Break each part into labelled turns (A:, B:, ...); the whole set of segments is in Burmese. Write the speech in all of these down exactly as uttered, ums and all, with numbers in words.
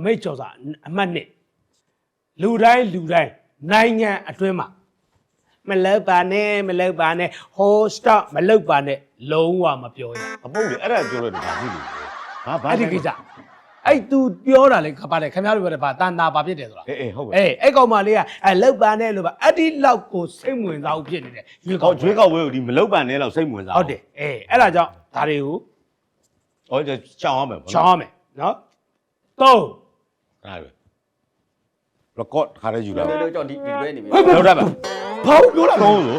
A: မိတ်ကျော်စာအမှတ်နှစ်လူတိုင်းလူတိုင်းနိုင်ငံအတွင်းမှာမလောက်ပါနဲ့မလောက်ပါနဲ့ဟိုစတော့မလောက်ပါနဲ့လုံးဝမပြောရ
B: အပုတ်လေအဲ့ဒါပြောလို့ဒါဖြစ်လို့ဟာဘာ
A: အဲ့ဒီကိစ္စအဲ့ तू ပြောတာလေခပါလေခင်ဗျားတို့ပြောတယ်ဗာတန်တာဘာဖြစ်တယ်ဆိုတာ
B: အေးအေးဟုတ်ကဲ့
A: အေးအဲ့ကောင်မလေးကအဲ့လောက်ပါနဲ့လို့ဗာအဲ့ဒီလောက်ကိုစိတ်ဝင်စားဖို့ဖြစ်နေတယ်
B: ရွေးကောက်ရွေးကောက်ဝဲကိုဒီမလောက်ပါနဲ့လောက်စိတ်ဝင်စား
A: ဟုတ်တယ်အေးအဲ့ဒါကြောင့်ဒါတွေကို
B: ဟောချောင်းအောင်မယ်ပေါ့
A: ချောင်းအောင်မယ်နော်သုံး
B: အဲ့ဒါ record ခါရဲယူလာ
C: တို့ကြောင့်ဒီဒီလွဲနေပြီ
B: လောက်တာပါ
A: ဘာလို့ပြောတာ
B: သုံးလို့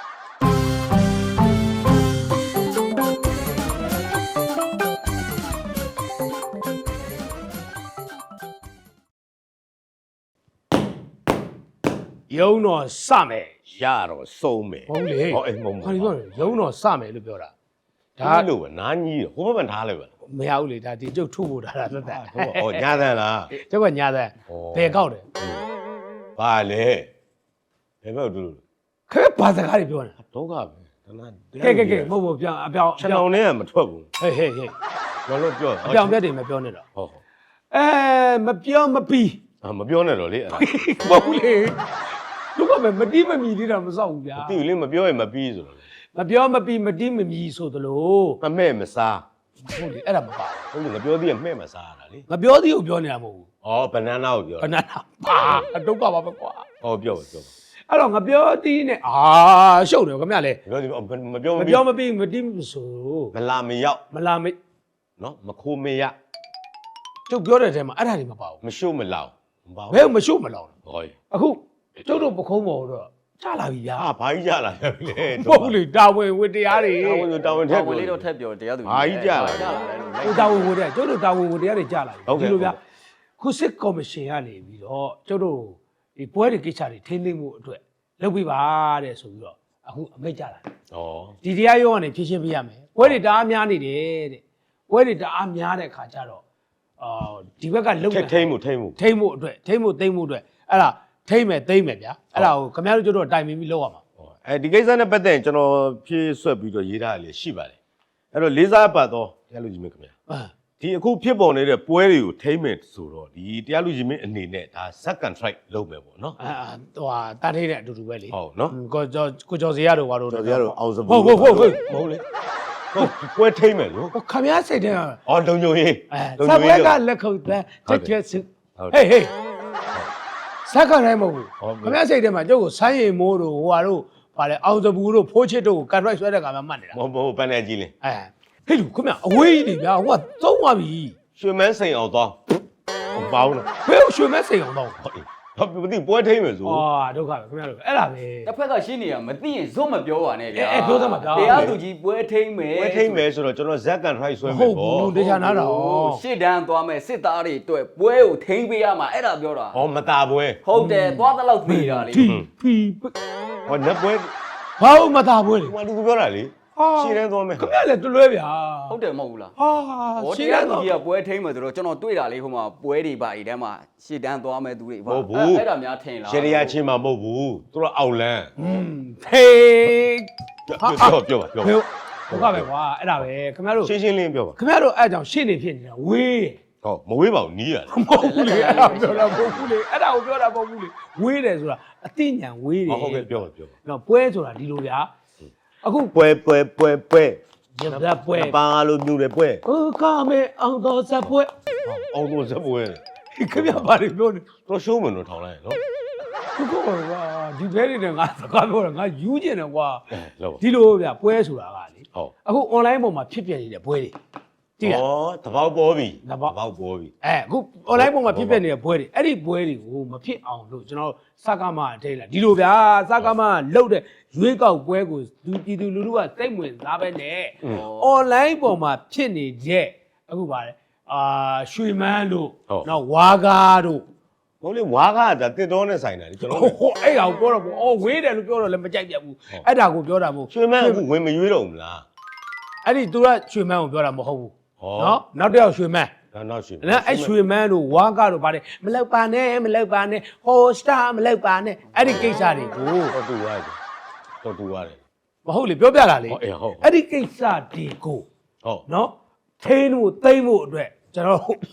A: ရုံတော်စမယ်
B: ရတော့စုံမယ်
A: ဟုတ်လေ
B: ဟောအေးမဟုတ်
A: ဘူးဘာလို့ပြောရုံတော်စမယ်လို့ပြောတာ
B: ဒါလို့ပဲနားကြီးဟိုဘက်ထားလိုက်ပါ
A: မရဘူးလေဒါဒီကျုပ်ထုတ်ဖို့တာလားသက်သက်
B: ဟောညာသန်လား
A: ကျုပ်ကညာသန်ဘယ်ကောက်တယ်
B: ဘာလဲဘယ်ဘက်တူလို့
A: ခဲဘာစကားတွေပြောနေတာ
B: ဒုက္ခပဲတနာ
A: ကဲကဲကဲမဟုတ်ဘူးပြောင်းအပြောင်း
B: ခြံအောင်နဲ့ကမထွက်ဘူး
A: ဟေးဟေးဟေး
B: လောလောပြော
A: အပြောင်းပြတ်တယ်မပြောနဲ့တော့
B: ဟုတ်ဟုတ်
A: အဲမပြောမပြီး
B: အာမပြောနဲ့တော့လေအဲ့ဒါ
A: မဟုတ်လေတို့ကမတီးမမီသေးတာမစောက်ဘူးဗျာ
B: မတီးလေမပြောရင်မပြီးဆိုတော့
A: မပြောမပြီးမတီးမမီဆိုသလို
B: မမဲ့မစား
A: ဟုတ်လေအဲ့ဒါမပါ
B: ဘူးဟုတ်လေငါပြောသေးရမှဲ့မစားရတာလေ
A: ငါပြောသေးကိုပြောနေတာမဟုတ်ဘူး
B: ဩဘနာနာကိုပြော
A: ဘနာနာပါအတုတ်ကပါပဲကွာ
B: ဟောပြောပြော
A: အဲ့တော့ငါပြောသေးနဲ့အာရှုပ်တယ်ခင်ဗျလေ
B: ပြောသေးမပြော
A: မပြောမပြီးမတီးမဆို
B: မလာမရောက်
A: မလာမ
B: နော်မခိုးမရ
A: ကျုပ်ပြောတဲ့ထဲမှာအဲ့ဒါတွေမပါဘူး
B: မရှုပ်မလောင်
A: မပါဘူးဘယ်မရှုပ်မလောင်
B: ဟော
A: အခုကျုပ်တို့ပခုံးပေါ်တော့ကြလာပြီဗျာ
B: ဟာဘာကြီးကြလာလဲ
A: မဟုတ်လေတာဝန်ဝတ္တရားတွေ
B: တာဝန်တာဝန်ထက်
C: ဝင်လေးတော့ထက်ပြောတရားသူ
B: ဘာကြီးကြလာ
C: ကြလာတယ်
A: လို့တာဝန်ဝတ္တရားကျုပ်တို့တာဝန်ဝတ္တရားတွေကြလာပြီဒီလိုဗျာခုစစ်ကော်မရှင်ကနေပြီးတော့ကျုပ်တို့ဒီပွဲတွေကိစ္စတွေထိန်းသိမ်းမှုအတွက်လုပ်ပြပါတဲ့ဆိုပြီးတော့အခုအမိတ်ကြလာတယ်ဩဒီတရားရုံးကနေဖြည့်ရှင်းပြရမယ်ပွဲတွေတအားများနေတယ်တဲ့ပွဲတွေတအားများတဲ့ခါကျတော့အာဒီဘက်ကလုံ
B: ထိထိမ့်မှုထိမ့်မှု
A: ထိမ့်မှုအတွက်ထိမ့်မှုသိမ့်မှုအတွက်အဲ့ဒါထိမ့်မယ်သိမ့်မယ်ဗျာအဲ့ဒါကိုခင်ဗျားတို့ကျတော့တိုင်ပင်ပြီးလုပ်ရမှာ
B: အဲဒီကိစ္စနဲ့ပတ်သက်ရင်ကျွန်တော်ဖြည့်ဆွက်ပြီးတော့ရေးထားရလေရှိပါတယ်အဲ့တော့လေးစားပတ်တော့တရားလူကြီးမင်းခင်ဗျာဒီအခုဖြစ်ပေါ်နေတဲ့ပွဲတွေကိုထိမ့်မယ်ဆိုတော့ဒီတရားလူကြီးမင်းအနေနဲ့ဒါ second strike လုပ်မယ်ပေါ့နော်
A: အာဟိုဟာတားထိတဲ့အတူတူပဲလေ
B: ဟုတ်နော်
A: ကိုကျော်ကိုကျော်စီရတို့ဘာလို့
B: ကျော်စီရတို့အောင်စပူ
A: ဟုတ်ဟုတ်ဟုတ်ဟုတ်မဟုတ်လေ
B: ဟုတ်ပွဲထိမ့်မယ်လို့
A: ခမရစိတ်တဲ့
B: အော်လုံညိုရေး
A: လုံညိုရေးကလက်ခုပ်တန်းချက်ချက်စုဟေးဟေးစက္ကန့်တိုင်းမဟုတ်ဘူးခမရစိတ်တဲ့မှာကျုပ်ကိုဆိုင်းရီမိုးတို့ဟိုဟာတို့ဗာလေအောင်စပူတို့ဖိုးချစ်တို့ကိုကန်ရိုက်ဆွဲတဲ့ကမှမှတ်နေတာ
B: မဟုတ်ဘူးပန်းနေကြီးလင်း
A: အဲဟေးလူခမရအဝေးကြီးဗျာဟိုကသုံးသွားပြီ
B: ရွှေမန်းစိန်အောင်သွားဟိုပေါင်းလား
A: ဘယ်ရွှေမန်းစိန်အောင်သွား
B: ဟုတ်မသိပွဲထိမ့်မယ်ဆို
A: အာဒုက္ခပဲခင်ဗျားတို့အဲ့ဒါပဲ
C: တစ်ဖက်ကရှင်းနေတာမသိရင်ဇွတ်မပြောပါနဲ့ဗျာ
A: အဲပြောစမ်းပါဗျာ
C: တရားသူကြီးပွဲထိမ့်မယ်
B: ပွဲထိမ့်မယ်ဆိုတော့ကျွန်တော်ဇက်ကန်ထရိုက်ဆွဲမယ်ပေါ့
A: ဟုတ်ဘူးတရားနာတာ
C: ရှစ်တန်းသွားမယ်စစ်သားတွေအတွက်ပွဲကိုထိမ့်ပေးရမှာအဲ့ဒါပြောတာ
B: ဩမတာပွဲ
C: ဟုတ်တယ်သွားတဲ့လောက်သေးတာလေ
A: ဖီဖီ
B: ဟောနက်ပွဲ
A: ဘာလို့မတာပွဲလေ
B: ဟိုလူပြောတာလေရှင်းတန်းသွားမယ်
A: ခင်ဗျားလည်းတွလွဲဗျာ
C: ဟုတ်တယ်မဟုတ်ဘူးလား
A: ဟာ
C: ရှင်းတန်းသူကြီးကပွဲထိမ့်မယ်ဆိုတော့ကျွန်တော်တွေ့တာလေဟိုမှာပွဲတွေပါအဲ့တန်းမှာရှစ်တန်းသွားမယ်သူတွေပါအဲ့ဒါများထင်လား
B: ရှယ်ရီယာချင်းမှာမဟုတ်ဘူးသူတို့အောက်လန်း
A: อืมဖေး
B: ပြောပြောပါပြောပါ
A: ဒုက္ခပဲကွာအဲ့ဒါပဲခင်ဗျားတို့
B: ရှင်းရှင်းလင်းပြောပါ
A: ခင်ဗျားတို့အဲ့ကြောင့်ရှင်းနေဖြစ်နေတာဝေး
B: ဟုတ်မဝေးပါဘူးနီးရတယ်
A: မဟုတ်ဘူးလေအဲ့ဒါပြောတာမဟုတ်ဘူးလေအဲ့ဒါကိုပြောတာမဟုတ်ဘူးလေဝေးတယ်ဆိုတာအသိဉာဏ်ဝေးတယ်
B: ဟုတ်ကဲ့ပြောပါပြောပါ
A: နော်ပွဲဆိုတာဒီလိုဗျာအခု
B: ပွဲပွဲပွဲပွဲ
A: ရပြပွဲ
B: ပါလို့မြူတယ်ပွဲ
A: ဟိုကမဲအောင်တော်ဇက်ပွဲ
B: အောင်တော်ဇက်ပွဲ
A: ခင်ဗျာဘာတွေပြောနေ
B: တော့ရှိုးမယ်လို့ထောင်လိုက်နော်
A: သူကကွာဒီဘဲတွေနဲ့ငါစကားပြောတာငါယူကျင်တယ်ကွာ
B: လောက်
A: ဒီလိုဗျပွဲဆိုတာကလေ
B: ဟုတ်
A: အခု online ပေါ်မှာဖြစ်ပြနေတဲ့ပွဲတွေ
B: ကြည့်ရဩတပေါက်ပေါ်ပြီ
A: တပေါက်
B: ပေါ်ပြီ
A: အဲအခု online ပေါ်မှာဖြစ်ပြနေတဲ့ပွဲတွေအဲ့ဒီပွဲတွေကိုမဖြစ်အောင်လို့ကျွန်တော်စကားမအထိတ်လာဒီလိုဗျာစကားမလှုပ်တဲ့ရွေးကောက်ပွဲကိုလူပြည်သူလူထုကစိတ်ဝင်စားပဲနဲ့ online ပေါ်မှာဖြစ်နေတဲ့အခုပါလေအာရွှေမန်းတို့နောက်ဝါကားတို့
B: ဘုန်းလေးဝါကားကတစ်တော်နဲ့ဆိုင်တာလေကျွန်တော်
A: ဟိုအဲ့ဒါကိုပြောတော့ဘောအော်ဝေးတယ်လို့ပြောတော့လည်းမကြိုက်ပြဘူးအဲ့ဒါကိုပြောတာမဟုတ်
B: ရွှေမန်းကဝင်မရွေးတော့ဘူးလား
A: အဲ့ဒီသူကရွှေမန်းကိုပြောတာမဟုတ်ဘူးနော်နောက်တစ်ယောက်ရွှေမန်း
B: နောက်ရွှေ
A: နော်အဲ့ရွှေမန်းတို့ဝါကားတို့ဗါတယ်မလောက်ပါနဲ့မလောက်ပါနဲ့ဟိုစတာမလောက်ပါနဲ့အဲ့ဒီကိစ္စတွေကို
B: တော့တူရတယ်တော့တူရတယ်
A: မဟုတ်လေပြောပြတာလေအဲ့ဒီကိစ္စတွေကို
B: ဟုတ်
A: နော်ထိန်းဖို့သိမ့်ဖို့အတွက်ကျွန်တော်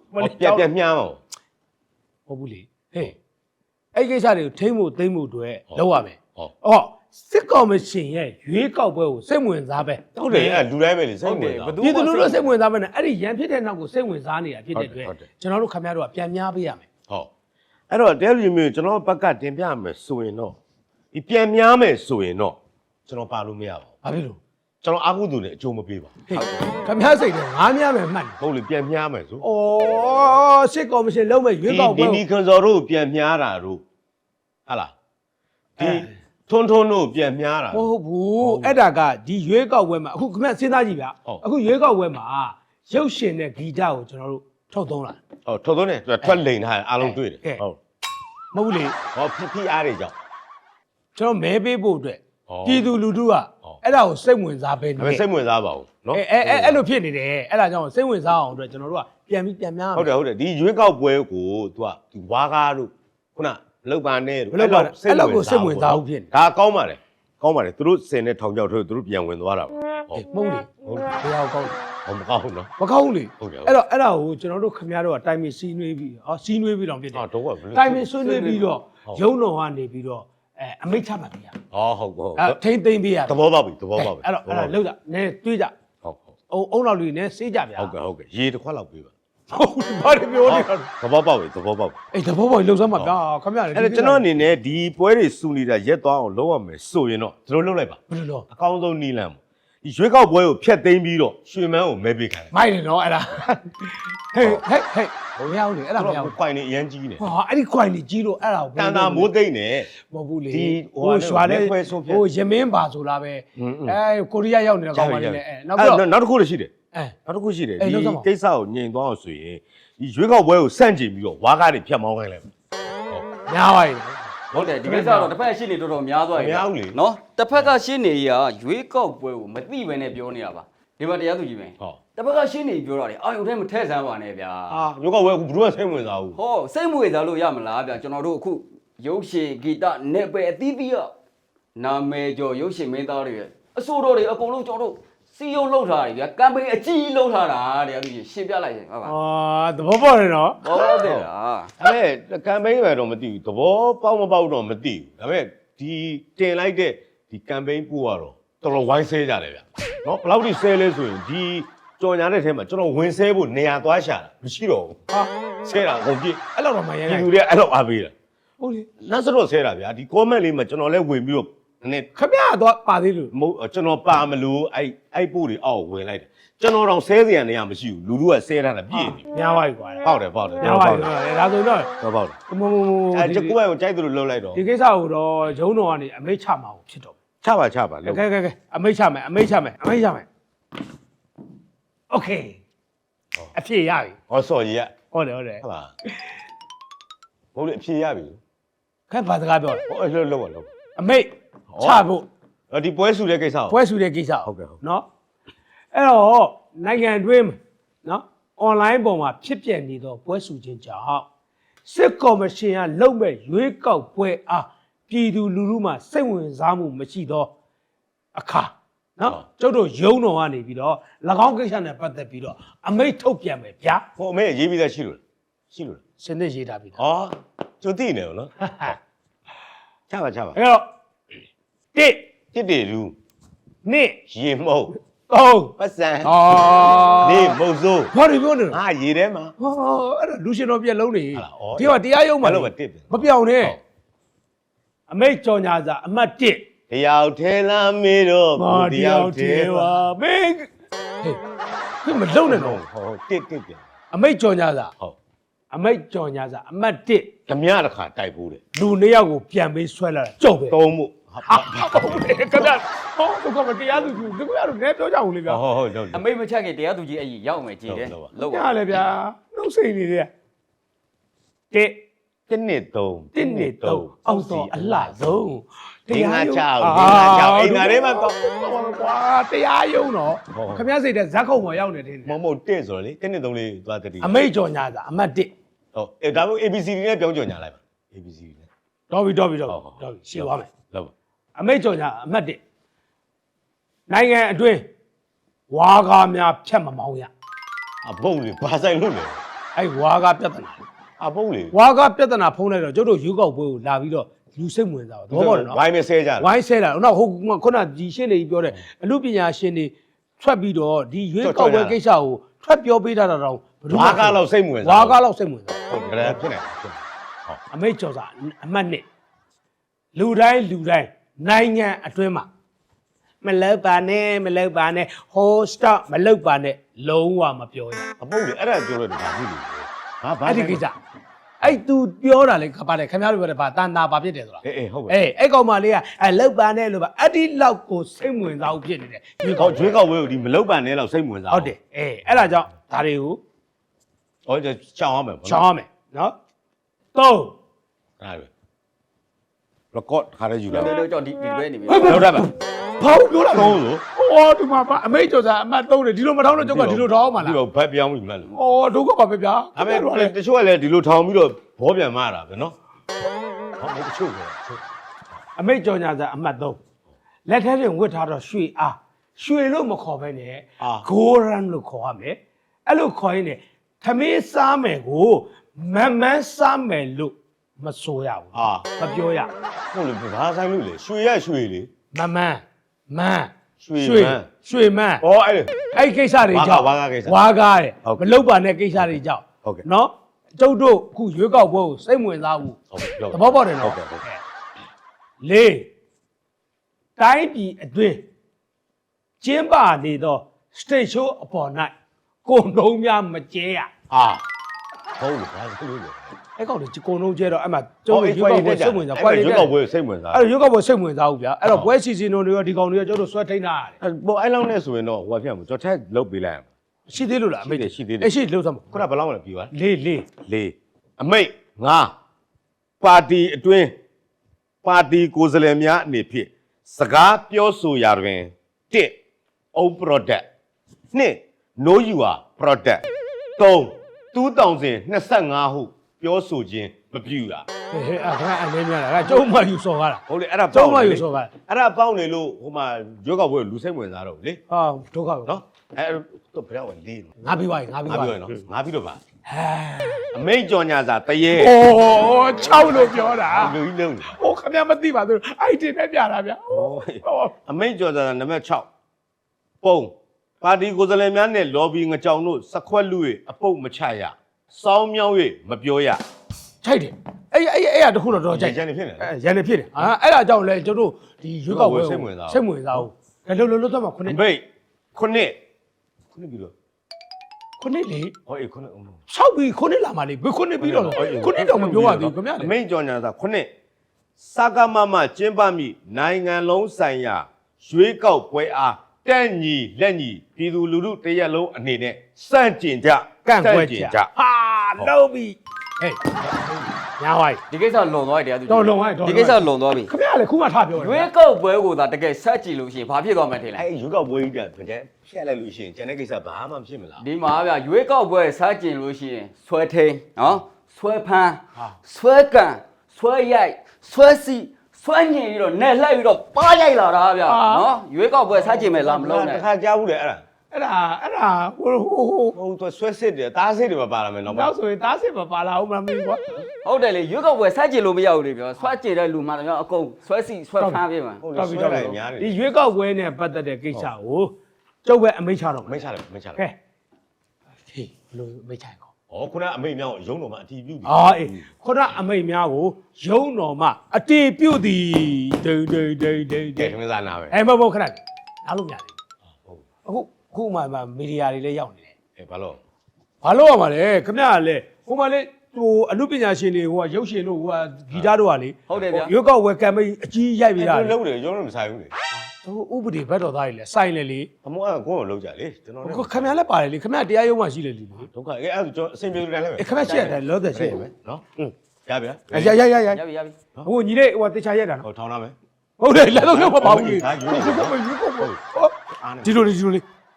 B: ပြက်ပြက်မြန်းအောင်
A: ဟုတ်ဘူးလေဟေးအဲ့ကိစ္စတွေကိုထိမ့်ဖို့သိမ့်ဖို့အတွက်လောက်ရမယ်
B: ဟုတ်
A: အော်စစ်ကော်မရှင်ရဲ့ရွေးကောက်ပွဲကိုစိတ်ဝင်စားပဲ
B: ဟုတ်တယ်အဲ့လူတိုင်းပဲလေစိတ်ဝင်တာ
A: ပြည်သူလူထုစိတ်ဝင်စားပဲနဲ့အဲ့ဒီရန်ဖြစ်တဲ့နောက်ကိုစိတ်ဝင်စားနေတာဖြစ်တဲ့အတွက်ကျွန်တော်တို့ခင်ဗျားတို့ကပြန်များပေးရမယ်
B: ဟုတ်အဲ့တော့တဲလူမျိုးကျွန်တော်ဘက်ကတင်ပြမယ်ဆိုရင်တော့ဒီပြန်များမယ်ဆိုရင်တော့ကျွန်တော်ပါလို့မရပါဘူး
A: ဘာဖြစ်လို့
B: ကျွန်တော်အာဟုသူနဲ့အကျိုးမပေးပါဘူး
A: ဟေးခင်ဗျားစိတ်နဲ့ငားများမယ်မှတ်တယ်
B: ဟုတ်လေပြန်များမယ်ဆို
A: ဩစစ်ကော်မရှင်လုံးမဲ့ရွေးကောက်ပွဲ
B: ဒီဒီခွန်စော်တို့ပြန်များတာတို့ဟာလားဒီထွန်းထွန်းတို့ပြန်များတာ
A: မဟုတ်ဘူးအဲ့ဒါကဒီရွေးကောက်ပွဲမှာအခုခင်ဗျစဉ်းစားကြည့်ဗျာအခုရွေးကောက်ပွဲမှာရုပ်ရှင်နဲ့ဂီတကိုကျွန်တော်တို့ထုတ်သုံးလာ
B: ဟုတ်ထွန်းထွန်းနဲ့ထွက်လိန်ထားအားလုံးတွေ့တယ်ဟုတ်
A: မဟုတ်ဘူးလေ
B: ဟောဖိဖိအားတွေကြောင့်
A: ကျွန်တော်မဲပေးဖို့အတွက်
B: ဩ
A: ပြည်သူလူထုကအဲ့ဒါကိုစိတ်ဝင်စားပဲနေ
B: ဒါပေမဲ့စိတ်ဝင်စားပါဘူးเนาะ
A: အဲအဲအဲ့လိုဖြစ်နေတယ်အဲ့ဒါကြောင့်စိတ်ဝင်စားအောင်အတွက်ကျွန်တော်တို့ကပြန်ပြီးပြန်များ
B: ဟုတ်တယ်ဟုတ်တယ်ဒီရွေးကောက်ပွဲကို तू ကဒီဝါကားတို့ခုနလောက်ပါနဲ့တို့ဒါကောင်းပါလေကောင်းပါလေသူတို့စင်နဲ့ထောင်ချောက်ထိုးသူတို့ပြန်ဝင်သွားတာပေါ့
A: မဟုတ်လေဟုတ်ဘယ်အောင်ကောင်း
B: ဟောမကောင်းဘူးเนาะ
A: မကောင်းဘူးလေ
B: ဟုတ်တယ်
A: အဲ့တော့အဲ့ဒါကိုကျွန်တော်တို့ခင်ဗျားတို့ကတိုင်မင်စီးနွေးပြီးဟောစီးနွေးပြီးတော့ဖြစ်တယ်
B: ဟာတော့ကဘယ်လို
A: တိုင်မင်ဆွေးနွေးပြီးတော့ရုံတော်ကနေပြီးတော့အဲအမိတ်ချမှတ်ပြရ
B: ဟောဟုတ်ဟုတ်
A: အဲထိမ့်သိမ့်ပြရ
B: သဘောပေါက်ပြီသဘောပေါက်ပြီ
A: အဲ့တော့အဲ့ဒါလောက်ကြနည်းတွေးကြ
B: ဟုတ်ဟုတ်
A: အုံအုံတော်လူနည်းစေးကြဗျာ
B: ဟုတ်ကဲ့ဟုတ်ကဲ့ရေတစ်ခွက်လောက်ပေးပါ
A: ဟုတ်ဘာတွေပြောနေတာ
B: သဘောပေါက်ပြီသဘောပေါက်ပြီ
A: အေးတဘောပေါ်လှုပ်စမ်းမှာဗျာခင်ဗျား
B: အဲ့ဒါကျွန်တော်အနေနဲ့ဒီပွဲတွေစူနေတာရက်သွားအောင်လုပ်ရမယ်ဆိုရင်တော့ကျွန်တော်လုပ်လိုက်ပါ
A: ဘယ်လိုလဲ
B: အကောင်းဆုံးနီးလန်းပေါ့ဒီရွေးကောက်ပွဲကိုဖျက်သိမ်းပြီးတော့ရွှေမန်းကိုမဲပေးခိုင်း
A: မိုက်တယ်နော်အဲ့ဒါဟေးဟေးဟေးဘုံရအောင်လေအဲ့ဒါမရ
B: တော့
A: ဘူး
B: ကွိုင်နေအရန်ကြီးနေ
A: ဟာအဲ့ဒီခွိုင်ကြီးကြီးလို့အဲ့ဒါကို
B: တန်တာမိုးသိမ့်နေ
A: မဟုတ်ဘူးလေ
B: ဒီဟို
A: ဟိုရွာတဲ့
B: လက်ခွဲဆုံးဖြတ်
A: ဟိုရမင်းပါဆိုလားပဲ
B: อืม
A: အဲကိုရီးယားရောက်နေတဲ့ကောင်မလေးနဲ့အဲနောက်
B: အဲ့
A: ပြီးတော့
B: နောက်တစ်ခုလည်းရှိတယ်
A: အဲ
B: နောက်တစ်ခုရှိတယ်
A: အဲ့
B: ဒီ
A: လောက်စမ်းပါ
B: ကိစ္စကိုညင်သွားအောင်ဆိုရင်ဒီရွေးကောက်ပွဲကိုစန့်ကျင်ပြီးတော့ဝါကားတွေဖြတ်မောင်းခိုင်းလိုက်မယ်
A: များပါရဲ့
C: ဟုတ်တယ်ဒီကိစ္စတော့တစ်ဖက်ရှင်းနေတော်တော်များသွားပြီ
B: များဘူးလေ
C: နော်တစ်ဖက်ကရှင်းနေရရွေးကောက်ပွဲကိုမသိပဲနဲ့ပြောနေတာပါဒီမှာတရားသူကြီးပဲ
B: ဟုတ်
C: တစ်ဖက်ကရှင်းနေပြောတာလေအာယုံထဲမထည့်ဆန်းပါနဲ့ဗျာ
B: အာရွေးကောက်ပွဲကဘယ်သူမှစိတ်ဝင်စားဘူး
C: ဟောစိတ်မွေစားလို့ရမလားဗျာကျွန်တော်တို့အခုရုပ်ရှင်ဂီတနဲ့ပဲအသီးသီးရနာမည်ကျော်ရုပ်ရှင်မင်းသားတွေရဲ့အစိုးရတွေအကုန်လုံးကျွန်တော်တို့စီယုံလှုပ်ထားတယ်ဗျာကမ်ပိန်းအကြီးလှုပ်ထားတာတရားသူကြီးရှင်းပြလိုက်ရင်ဟုတ်ပါ
A: အာသဘောပေါက်တယ်နော်
C: ဟုတ်တယ်လား
B: ဒါပေမဲ့ကမ်ပိန်းပဲတော့မသိဘူးသဘောပေါက်မပေါက်တော့မသိဘူးဒါပေမဲ့ဒီတင်လိုက်တဲ့ဒီကမ်ပိန်းပို့ကတော့တော်တော်ဝိုင်းဆဲကြတယ်ဗျနော်ဘယ်လောက်ထိဆဲလဲဆိုရင်ဒီကြော်ညာတဲ့ထဲမှာကျွန်တော်ဝင်ဆဲဖို့နေရာသွားရှာတာမရှိတော့ဘူး
A: ဟာ
B: ဆဲတာအကုန်ပြည့်
A: အဲ့လောက်တော့မရ
B: ဒီ
A: နိုင်
B: လူတွေကအဲ့လောက်အားပေးတာ
A: ဟုတ်လေ
B: နောက်စတော့ဆဲတာဗျာဒီ comment လေးမှာကျွန်တော်လည်းဝင်ပြီးတော့နည်း
A: ခမရတော့ပါသေးလို့
B: မဟုတ်ကျွန်တော်ပါမလို့အဲ့အဲ့ပို့တွေအောက်ဝင်လိုက်တယ်ကျွန်တော်တော့ဆဲစရာနေရာမရှိဘူးလူလူကဆဲထားတာပြည့်နေ
A: များပါပြီကွာ
B: ပေါက်တယ်ပေါက်တယ်
A: များပါပြီဒါဆိုတော့
B: တော့ပေါက်တယ်
A: မမမ
B: အဲ့ကျကိုယ့်ဘက်ကိုကြိုက်သလိုလှုပ်လိုက်တော့
A: ဒီကိစ္စကိုတော့ဂျုံတော်ကနေအမိတ်ချမှာဖြစ်တော့
B: ချပါချပါလှုပ်
A: ကဲကဲကဲအမိတ်ချမယ်အမိတ်ချမယ်အမိတ်ချမယ်โอเคအဖြစ်ရပြီ
B: ဟောစော်ကြီးက
A: ဟုတ်တယ်ဟုတ်တယ်
B: ဟုတ်လားဘိုးလေးအဖြေရပြီ
A: ခက်ဘာစကားပြောလဲ
B: ဟောအဲ့လှုပ်လှုပ်ပါလှုပ်
A: အမိတ်ချဖို့
B: အဲ့ဒီပွဲစုတဲ့ကိစ္စကို
A: ပွဲစုတဲ့ကိစ္စ
B: ဟုတ်ကဲ့ဟုတ်
A: เนาะအဲ့တော့နိုင်ငံတွင်းเนาะ online ပေါ်မှာဖြစ်ပြနေသောပွဲစုခြင်းကြောင့်စစ်ကော်မရှင်ကလုံမဲ့ရွေးကောက်ပွဲအားပြည်သူလူထုမှစိတ်ဝင်စားမှုမရှိသောအခါเนาะကျုပ်တို့ရုံးတော်ကနေပြီးတော့၎င်းကိစ္စနဲ့ပတ်သက်ပြီးတော့အမိတ်ထုတ်ပြန်မယ်ဗျာ
B: ဟိုအမေရေးပြီးသားရှိလို့ရှိလို့
A: စနစ်ရေးထားပြီးသား
B: ဟောကျုပ်သိနေရောနော်ချပါချပါ
A: အဲ့တော့တစ်
B: တစ်တေလူ
A: နှစ်
B: ရေမုတ်
A: သုံး
B: ပတ်စံ
A: အော်
B: နေမုတ်စိုး
A: ဘာတွေပြောနေလဲ
B: ငါရေထဲမှာ
A: ဟောအဲ့ဒါလူရှင်တော်ပြက်လုံးနေ
B: ဟုတ်လားဩ
A: ဒီကတရားရုံးမှာ
B: ဘာလို့မတစ်ပဲ
A: မပြောင်းနဲ့
B: ဟုတ်
A: အမိတ်ကြော်ညာစာအမှတ်တစ်
B: တယောက်ထဲလာမေတော့
A: မာ
B: ကို
A: တ
B: တ
A: ယော
B: ယော
A: က်
B: က်
A: တ
B: ထဲ
A: ည်း
B: ပါ
A: ပါမင်းဟေးခုမလုံးနဲ့တော့
B: ဟောတစ်တစ်ပြန်
A: အမိတ်ကြော်ညာစာ
B: ဟုတ်
A: အမိတ်ကြော်ညာစာအမှတ်တစ်
B: ဓမြတစ်ခါတိုက်ဖို့တယ်
A: လူနှစ်ယောက်ကိုပြန်ပေးဆွဲလာတာကြောက်ပဲ
B: သုံးဖို့
A: ဟာဟုတ်တယ်ခင်ဗျာဟောဒုက္ခမတရားသူကြီးဒီကွာတော့လည်းပြောကြဘူးလေဗျာ
B: ဟုတ်ဟုတ်ဟုတ်
C: အမိတ်မချက်ခင်တရားသူကြီးအဲ့ကြီးရောက်မယ်ကြည်တယ်
B: ဟုတ်ပါ
C: လောက်
A: ညာ
C: ပါ
A: လေဗျာနှုတ်စိတ်နေတယ်တစ်
B: တစ်နှစ်သုံး
A: တစ်နှစ်သုံးအောက်တော့အလှဆုံး
B: ဒီငါချောက်ဒီငါချောက်အိမ်ငါထဲမှာတော့
A: ကွာတရားရုံးတော့
B: ဟုတ်
A: ခမရစိတ်တဲ့ဇက်ခုံပေါ်ရောက်နေတယ်
B: မမဟုတ်တစ်ဆိုတော့လေတစ်နှစ်သုံးလေးသွားတတိ
A: အမိတ်ကြော်ညာစာအမှတ်တစ်
B: ဟုတ်အဲဒါမှမဟုတ် A B C D နဲ့ပြောင်းကြော်ညာလိုက်ပါ A B C D နဲ့
A: တော်ပြီတော်ပြီတော်
B: ဟုတ်
A: ပြီ
B: ဟုတ်
A: တော်ပြီရှင်းသွားမယ်
B: လောက်ပါ
A: အမိတ်ကြော်ညာအမှတ်တစ်နိုင်ငံအတွင်းဝါကားများဖြတ်မမောင်းရ
B: အဘုံလေးဘာဆိုင်လို့လဲ
A: ဟအဲ့ဝါကပြဿနာ
B: အပုံးလေ
A: ဝါကပြဿနာဖုံးလိုက်တော့ကျုပ်တို့ရွေးကောက်ပွဲကိုလာပြီးတော့လူစိတ်ဝင်စားတော့သဘောပေါက်တယ်နော်
B: ဝိုင်းမဆဲကြတယ်
A: ဝိုင်းဆဲတာတော့ဟုတ်ခုနဒီရှင်းနေပြောတဲ့အမှုပညာရှင်တွေထွက်ပြီးတော့ဒီရွေးကောက်ပွဲကိစ္စကိုထွက်ပြောပေးတာတော့
B: ဝါကားလောက်စိတ်ဝင်စား
A: ဝါကားလောက်စိတ်ဝင်စား
B: ဟုတ်ကဲ့ဖြစ်နေ
A: အမိတ်ကျော်စာအမှတ်နှစ်လူတိုင်းလူတိုင်းနိုင်ငံအတွင်းမှာမလောက်ပါနဲ့မလောက်ပါနဲ့ဟိုစတော့မလောက်ပါနဲ့လုံးဝမပြောရ
B: အပုံးလေအဲ့ဒါပြောလို့ဒါဖြစ်လို့ဟာဘာ
A: အဲ့ဒီကိစ္စအဲ့ तू ပြောတာလေခပါတယ်ခင်ဗျားတို့ပြောတယ်ဗာတန်တာဘာဖြစ်တယ်ဆိုတာ
B: အေးအေးဟုတ်ကဲ့
A: အေးအဲ့ကောင်မလေးကအဲ့လောက်ပါနဲ့လို့ပါအဲ့ဒီလောက်ကိုစိတ်ဝင်စားဖို့ဖြစ်နေတယ်ရွေး
B: ဟော
A: ကောက်
B: ကျွေးကောက်ဝဲကိုဒီမလောက်ပန်နဲ့လောက်စိတ်ဝင်စား
A: ဟုတ်တယ်အေးအဲ့ဒါကြောင့်ဒါတွေကို
B: ဟောချောင်းအောင်မယ်
A: ချောင်းရမယ်နော်သုံး
B: အဲ့ဒါ record ခါရယူလာ
C: တော်တော်ကြောင့်ဒီဒီပဲနေပြီ
B: လောက်တာပါ
A: ဘောက်ပြောတာ
B: သုံးလို့
A: ဟောဒီမှာအမိတ်ကျော်စာအမှတ်သုံးတယ်ဒီလိုမထောင်းတော့ကျုပ်ကဒီလိုထောင်းမှာလား
B: ပြီးတော့ဘက်ပြောင်းပြီးမှလို့
A: ဩဒုက္ခပါပဲဗျာ
B: ဒါပေမဲ့တချို့ကလည်းဒီလိုထောင်ပြီးတော့ဘောပြန်မတာပဲနော်ဟောတချို့က
A: အမိတ်ကျော်ညာစာအမှတ်သုံးလက်ထဲတွင်ဝတ်ထားတော့ရွှေအားရွှေလို့မခေါ်ဘဲနဲ့ဂိုရန်လို့ခေါ်ရမယ်အဲ့လိုခေါ်ရင်လည်းသမီးစားမယ်ကိုမမန်းစားမယ်လို့မဆိုရဘူး
B: အာ
A: မပြောရ
B: ဟုတ်လေဘာဆိုင်လို့လေရွှေရရွှေလေ
A: မမန်းမန်း
B: ရွှေမန်း
A: ရွှေမန်း
B: ဩအဲ့
A: အဲ့ကိစ္စတွေကြောင့်
B: ဝါကားကိစ္စ
A: ဝါကားတယ်
B: ဟုတ်ကဲ့
A: မလောက်ပါနဲ့ကိစ္စတွေကြောင့်
B: ဟုတ်ကဲ့
A: နော်ကျုပ်တို့အခုရွေးကောက်ပွဲကိုစိတ်ဝင်စားဘူး
B: ဟုတ်ကဲ့
A: သဘောပေါက်တယ်နော်
B: ဟုတ်ကဲ့ဟုတ်ကဲ့
A: လေးတိုင်းပြည်အတွင်းကျင်းပနေသော state show အပေါ်၌ကိုယ်လုံးများမကျဲရ
B: အာဟုတ်လေဘာဆိုင်လို့လဲ
A: အဲ့ကောင်တွေကိုယ်လုံးကျဲတော့အဲ့မှာကျုပ်တို့ရွေးကောက်ပွဲစိတ်ဝင်စား
B: ကွာရွေးကောက်ပွဲစိတ်ဝင်စား
A: အဲ့ရွေးကောက်ပွဲစိတ်ဝင်စားဘူးဗျာအဲ့တော့ပွဲစီစဉ်တွေရောဒီကောင်တွေရောကျုပ်တို့ဆွဲထိန်းတာရတယ်
B: အဲ့ပေါ်အဲ့လောက်နဲ့ဆိုရင်တော့ဟိုကဖြစ်မှာကျွန်တော်ထက်လုတ်ပေးလိုက်ရမှာ
A: ရှိသေးလို့လားအမေ
B: ရှိသေးတယ်
A: အဲ့ရှိလို့သမော
B: ခုနဘယ်လောက်လဲပြီးပါ
A: လေးလေး
B: လေးအမိတ်ငါပါတီအတွင်းပါတီကိုယ်စားလှယ်များအနေဖြင့်စကားပြောဆိုရာတွင်တစ် own product နှစ် no you are product သုံး two thousand twenty-five ဟုပြောဆိုခြင်းမပြုရ
A: ဟဲ့ဟဲ့အဲ့ဒါအနေများလားကျုံမယူစော်ကားတာ
B: ဟုတ်လေအဲ့ဒါ
A: ကျုံ
B: ပေါက်
A: မ
B: နေ
A: ယူ
B: လေ
A: စော်ကား
B: အဲ့ဒါပေါက်နေလို့ဟိုမှာရွေးကောက်ပွဲလူစိတ်ဝင်စားတော့ဘူးလေ
A: ဟာဒုက္ခပဲ
B: နော်အဲ့တော့ဘယ်တော့ဝင်လေးလို့
A: ငါပြီးပါငါပြီး
B: ငါ
A: ပါ
B: ပြောရနော်ငါပြီးတော့ပါ
A: ဟဲ
B: အမိတ်ကြော်ညာစာတရေ
A: အိုးချောက်လို့ပြောတာ
B: လူကြီးလုံးနေ
A: ဟိုခမမသိပါသူအဲ့ဒီနဲ့ပြတာဗျာ
B: ဟောအမိတ်ကြော်စာနံပါတ်၆ပုံပါတီကိုယ်စားလှယ်များနဲ့ lobby ငကြောင်တို့စခွက်လူ၍အပုတ်မချရစောင်းမြောင်း၍မပြောရ
A: ချိုက်တယ်အဲ့အဲ့အဲ့အဲ့တခုတော့တော့ချိုက်
B: ရန်နေဖြစ်နေ
A: အဲ့ရန်နေဖြစ်တယ်ဟာအဲ့ဒါကြောင့်လဲကျတို့ဒီရွေးကောက်ပွဲစိတ်ဝင်စားဘူးဒါလို့လို့လို့တော့ခုနှစ်
B: အမိတ်ခုနှစ်ခုနှစ်ပြီးတော့
A: ခုနှစ်လေ
B: ဟောအေးခုနှစ်
A: ဆောက်ပြီးခုနှစ်လာမှလေဘယ်ခုနှစ်ပြီးတော့ခုနှစ်တော့မပြောရသေးဘူးခင်ဗျာ
B: အမိတ်ကြော်ညာစာခုနှစ်စကားမမကျင်းပမိနိုင်ငံလုံးဆိုင်ရာရွေးကောက်ပွဲအားတက်ညီလက်ညီပြည်သူလူထုတရက်လုံးအနေနဲ့စန့်ကျင်ကြ
A: ကန့်ကွက်ကြဟာလုံးပြီဟေးညာဝိုင်း
C: ဒီကိစ္စလွန်သွားတယ်တရားသူ
A: တော်လွန်သွားတယ်
C: ဒီကိစ္စလွန်သွားပြီ
A: ခင်ဗျာလေခုမှထားပြော
C: ရွေးကောက်ပွဲကိုသာတကယ်ဆက်ကြည့်လို့ရှိရင်ဘာဖြစ်သွားမှန်းထင်လဲ
B: အဲ့ရွေးကောက်ပွဲကြီးကကြက်ဖြတ်လိုက်လို့ရှိရင်ကျန်တဲ့ကိစ္စဘာမှမဖြစ်မလား
C: ဒီမှာဗျရွေးကောက်ပွဲဆက်ကြည့်လို့ရှိရင်ဆွဲထိန်နော်ဆွဲဖန်းဆွဲကန်ဆွဲရိုက်ဆွဲစီဆွဲညင်ပြီးတော့နဲ့လှည့်ပြီးတော့ပါရိုက်လာတာဗျနော်ရွေးကောက်ပွဲဆက်ကြည့်မယ်လားမလုံးနဲ့
B: တခါကြားဘူးလေအဲ့ဒါ
A: အဲ့ဒါအဲ့ဒါဟိုဟိုဟို
B: ဟိုသူဆွဲစစ်တယ်တားစစ်တယ်မပါလာမယ်တော့
A: နောက်ဆိုရင်သားစစ်မပါလာဘူးမမင်းကွာ
C: ဟုတ်တယ်လေရွေးကောက်ပွဲဆက်ကြည့်လို့မရဘူးလေပြောဆွဲကြည့်တဲ့လူမှတော့အကုန်ဆွဲစီဆွဲဖန်းပြေးမှာ
B: ဟုတ်တယ်ဆွဲတယ်များတယ်
A: ဒီရွေးကောက်ပွဲနဲ့ပတ်သက်တဲ့ကိစ္စကိုကျုပ်ပဲအမိန့်ချတော့
B: မိတ်ချတယ်မိတ်ချတယ်
A: ကဲဟေးဘလို့အမိန့်ချကော
B: ဩခုနအမိတ်မြောင်းရုံးတော်မှာအတီးပြုတ်ပြီ
A: အာအေးခုနအမိန့်များကိုယုံတော်မှအတေပြုတ်သည်ဒိန်ဒိန်ဒိန်ဒိန်ဒိ
B: ကဲ
A: န်
B: ခမစားနာပဲ
A: အဲမဟုတ်ခဏနားလို့မရသေး
B: ဟုတ်
A: ဘူးအခုခုမှမီဒီယာတွေလည်းရောက်နေတယ်
B: အဲဘာလို့
A: ဘာလို့ရမှာလဲခမရကလည်းဟိုမှလေဟိုအမှုပညာရှင်တွေဟိုကရုပ်ရှင်တို့ဟိုကဂီတတို့ကလေ
C: ဟုတ်တယ်ဗျ
A: ရွေးကောက်ပွဲကမ်ပိန်းအကြီးရိုက်ပြီးတာ
B: အဲ့လုံးတယ်ရုံးတော့မဆိုင်ဘူးလေ
A: သူဥပဒေဘက်တော်သားတွေလည်းစိုင်လေလေ
B: အမောကကိုယ်ကိုလုံးကြလေကျွန်တော်လည်း
A: ခမရလည်းပါတယ်လေခမရတရားရုံးမှရှိလေလေ
B: ဒုက္ခအဲအဲ့ကျွန်တော်အစင်ပြေတယ်လည်းပဲ
A: ခမရရှိရတယ်လောသက်ရှိတယ်
B: နော်ရဗျာ
A: ရရရရ
C: ရပြီရပြီ
A: ဟိုညီလေးဟိုတေချာရက်တာနော်
B: ဟိုထောင်းလာမယ်
A: ဟုတ်တယ်လည်းတော့တော့မပါဘူးလေ
B: ဒါရွေးကောက်ပွဲ
A: ရွေးကောက်ပွဲဒီလိုလေဒီလိုလေ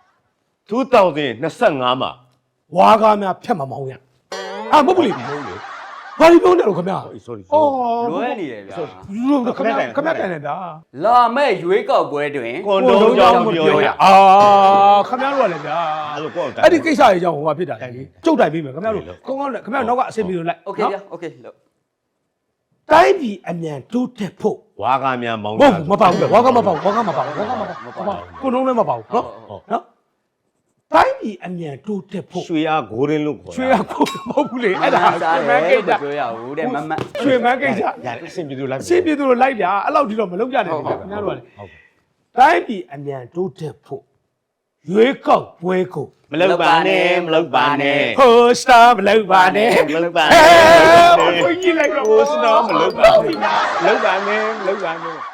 B: two thousand twenty-fiveမှာ
A: ဝါကားများဖြတ်မမောင်းရအာမဟုတ်ဘူးလေ
B: ဟုတ်လေ
A: ဘာလို့ပြောနေလို့ခင်ဗျာ
B: sorry
A: အော်
C: လွဲနေတယ်ဗျာ
A: လူခင်ဗျာခင်ဗျာတိုင်နေဗျာ
C: လာမဲ့ရွေးကောက်ပွဲတွင်
B: ကွန်တုံးကြောင့်ပြောရ
A: အာခင်ဗျားတို့ကလည်းဗျာ
B: အဲ့လိုကိုယ့်
A: အဲ့ဒီကိစ္စရေးကြောင့်ဟိုမှာဖြစ်တာလေကျုပ်တိုင်ပြီးမယ်ခင်ဗျားတို့ကောင်းကောင်းနဲ့ခင်ဗျားတို့နောက်ကအဆင်ပြေလို့လိုက်
C: โอเคဗျာโอเคလို့
A: တိုင်းပြည်အမြန်တိုးတက်ဖို့
B: ဝါကများမောင်း
A: ဟုတ်မပေါ့ဘူးဝါကမပေါ့ဝါကမပေါ့ဝါကမပေါ့ကိုနှုံးလည်းမပေါ့နော်နော်တိုင်းပြည်အမြန်တိုးတက်ဖို့
B: ရွှေအားဂိုးရင်းလို့ခေါ်
A: ရွှေရကိုမဟုတ်ဘူးလေအဲ့ဒါ
C: စား
A: ရွှေမန်းကိစ္စ
C: ပြောရဘူးတဲ့မမ
A: ရွှေမန်းကိစ္စ
B: ရတယ်အဆင်ပြေလို့လိုက်
A: အရှင်းပြေသူတို့လိုက်ဗျာအဲ့လောက်ဒီတော့မလုံးကြနဲ့ခင်ဗျားတို့ကလေ
B: ဟုတ်ကဲ့
A: တိုင်းပြည်အမြန်တိုးတက်ဖို့ရွေးကောက်ပွဲကို
B: မလောက်ပါနဲ့မလောက်ပါနဲ့
A: ဟိုစတာမလောက်ပါနဲ့
B: မလောက်ပါ
A: အဲ
B: နဲ့
A: ဘုန်းကြီးလိုက်တော့
B: ဟိုစတော့မလောက်ပါနဲ့မလောက်ပါနဲ့မလောက်ပါနဲ့